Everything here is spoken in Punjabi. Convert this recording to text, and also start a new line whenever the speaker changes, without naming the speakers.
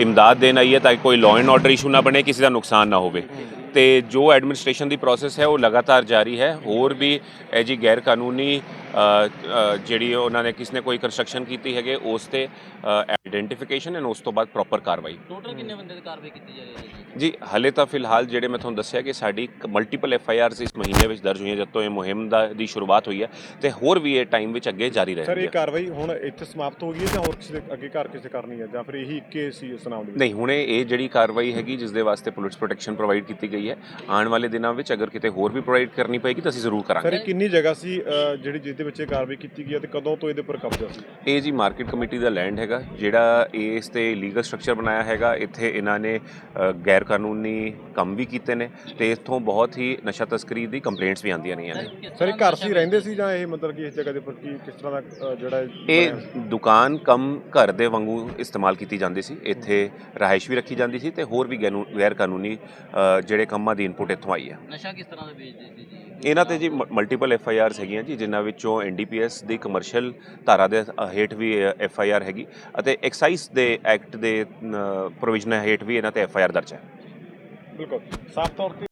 ਇਮਦਾਦ ਦੇਣ ਆਈ ਹੈ ਤਾਂ ਕਿ ਕੋਈ ਲਾਅ ਐਂਡ ਆਰਡਰ ਇਸ਼ੂ ਨਾ ਬਣੇ, ਕਿਸੇ ਦਾ ਨੁਕਸਾਨ ਨਾ ਹੋਵੇ। ਤੇ ਜੋ ਐਡਮਿਨਿਸਟ੍ਰੇਸ਼ਨ ਦੀ ਪ੍ਰੋਸੈਸ ਹੈ ਉਹ ਲਗਾਤਾਰ ਜਾਰੀ ਹੈ। ਹੋਰ ਵੀ ਇਹ ਜੀ ਗੈਰ ਕਾਨੂੰਨੀ ਜਿਹੜੀ ਉਹਨਾਂ ਨੇ ਕਿਸ ਨੇ ਕੋਈ ਕੰਸਟਰਕਸ਼ਨ ਕੀਤੀ ਹੈਗੇ ਉਸ 'ਤੇ ਆਈਡੈਂਟੀਫਿਕੇਸ਼ਨ ਐਂਡ ਉਸ ਤੋਂ ਬਾਅਦ ਪ੍ਰੋਪਰ ਕਾਰਵਾਈ।
ਟੋਟਲ ਕਿੰਨੇ ਬੰਦੇ ਦੀ ਕਾਰਵਾਈ ਕੀਤੀ ਜਾ ਰਹੀ ਹੈ
ਜੀ ਹਾਲੇ ਤਾਂ ਫਿਲਹਾਲ ਜਿਹੜੇ ਮੈਂ ਤੁਹਾਨੂੰ ਦੱਸਿਆ ਕਿ ਸਾਡੀ ਮਲਟੀਪਲ FIRs ਇਸ ਮਹੀਨੇ ਵਿੱਚ ਦਰਜ ਹੋਈਆਂ, ਜਦ ਤੋਂ ਇਹ ਮੁਹਿੰਮ ਦੀ ਸ਼ੁਰੂਆਤ ਹੋਈ ਹੈ, ਤੇ ਹੋਰ ਵੀ ਇਹ ਟਾਈਮ ਵਿੱਚ ਅੱਗੇ ਜਾਰੀ ਰਹੇਗੀ।
ਸਰ ਇਹ ਕਾਰਵਾਈ ਹੁਣ ਇੱਥੇ ਸਮਾਪਤ ਹੋ ਗਈ ਹੈ ਜਾਂ ਹੋਰ ਕਿਸੇ ਦੇ ਅੱਗੇ ਘਰ ਕਿਸੇ ਕਰਨੀ ਹੈ ਜਾਂ ਫਿਰ ਇਹੀ ਇੱਕੇ ਸੀ ਇਸ ਨਾਮ ਦੇ?
ਨਹੀਂ, ਹੁਣੇ ਇਹ ਜਿਹੜੀ ਕਾਰਵਾਈ ਹੈਗੀ ਜਿਸ ਦੇ ਵਾਸਤੇ ਪੁਲਿਸ ਪ੍ਰੋਟੈਕਸ਼ਨ ਪ੍ਰੋਵਾਈਡ ਕੀਤੀ ਗਈ ਹੈ, ਆਉਣ ਵਾਲੇ ਦਿਨਾਂ ਵਿੱਚ ਅਗਰ ਕਿਤੇ ਹੋਰ ਵੀ ਪ੍ਰੋਵਾਈਡ ਕਰਨੀ ਪਏਗੀ ਤਾਂ ਅਸੀਂ ਜ਼ਰੂਰ ਕਰਾਂਗੇ।
ਸਰ ਇਹ ਕਿੰਨੀ ਜਗ੍ਹਾ ਸੀ ਜਿਹੜੀ ਜਿਹਦੇ ਵਿੱਚ ਇਹ ਕਾਰਵਾਈ ਕੀਤੀ ਗਈ ਹੈ ਤੇ ਕਦੋਂ ਤੋਂ ਇਹਦੇ ਉੱਪਰ ਕਬਜ਼ਾ ਸੀ?
ਇਹ ਜੀ ਮਾਰਕੀਟ ਕਮੇਟੀ ਦਾ ਲੈਂਡ ਹੈਗਾ ਜਿਹੜਾ ਇਸ 'ਤੇ ਲੀਗਲ ਸਟਰਕਚਰ ਬਣਾਇਆ ਹੈਗਾ। ਇੱਥੇ ਇਹਨਾਂ ਨੇ ਗੈਰ ਕਾਨੂੰਨੀ ਕੰਮ ਵੀ ਕੀਤੇ ਨੇ ਤੇ ਇੱਥੋਂ ਬਹੁਤ ਹੀ ਨਸ਼ਾ ਤਸਕਰੀ ਦੀ ਕੰਪਲੇਂਟਸ ਵੀ ਆਉਂਦੀਆਂ ਰਹੀਆਂ ਨੇ।
ਸਰ ਇਹ ਘਰ ਸੀ ਰਹਿੰਦੇ ਸੀ ਜਾਂ ਇਹ ਮਤਲਬ ਕਿ ਇਸ ਜਗ੍ਹਾ ਦੇ ਉੱਪਰ ਕਿਸ ਤਰ੍ਹਾਂ ਦਾ ਜਿਹੜਾ
ਇਹ ਦੁਕਾਨ ਕਮ ਘਰ ਦੇ ਵਾਂਗੂ ਇਸਤੇਮਾਲ ਕੀਤੀ ਜਾਂਦੀ ਸੀ। ਇੱਥੇ ਰਿਹਾਇਸ਼ ਵੀ ਰੱਖੀ ਜਾਂਦੀ ਸੀ ਤੇ ਹੋਰ ਵੀ ਗੈਰ ਕਾਨੂੰਨੀ ਜਿਹੜੇ ਕੰਮਾਂ ਦੀ ਇਨਪੁਟ ਇੱਥੋਂ ਆਈ ਹੈ।
ਨਸ਼ਾ ਕਿਸ ਤਰ੍ਹਾਂ ਦਾ ਵੇਚਦੇ ਸੀ ਜੀ?
ਇਹਨਾਂ 'ਤੇ ਜੀ ਮਲਟੀਪਲ FIRs ਹੈਗੀਆਂ ਜੀ, ਜਿਨ੍ਹਾਂ ਵਿੱਚੋਂ NDPS ਦੀ ਕਮਰਸ਼ੀਅਲ ਧਾਰਾ ਦੇ ਹੇਠ ਵੀ FIR ਹੈਗੀ ਅਤੇ ਐਕਸਾਈਜ਼ ਦੇ ਐਕਟ ਦੇ ਪ੍ਰੋਵੀਜ਼ਨ ਹੇਠ ਵੀ ਇਹਨਾਂ 'ਤੇ FIR ਦਰਜ ਹੈ।
ਬਿਲਕੁਲ ਸਾਫ਼ ਤੌਰ 'ਤੇ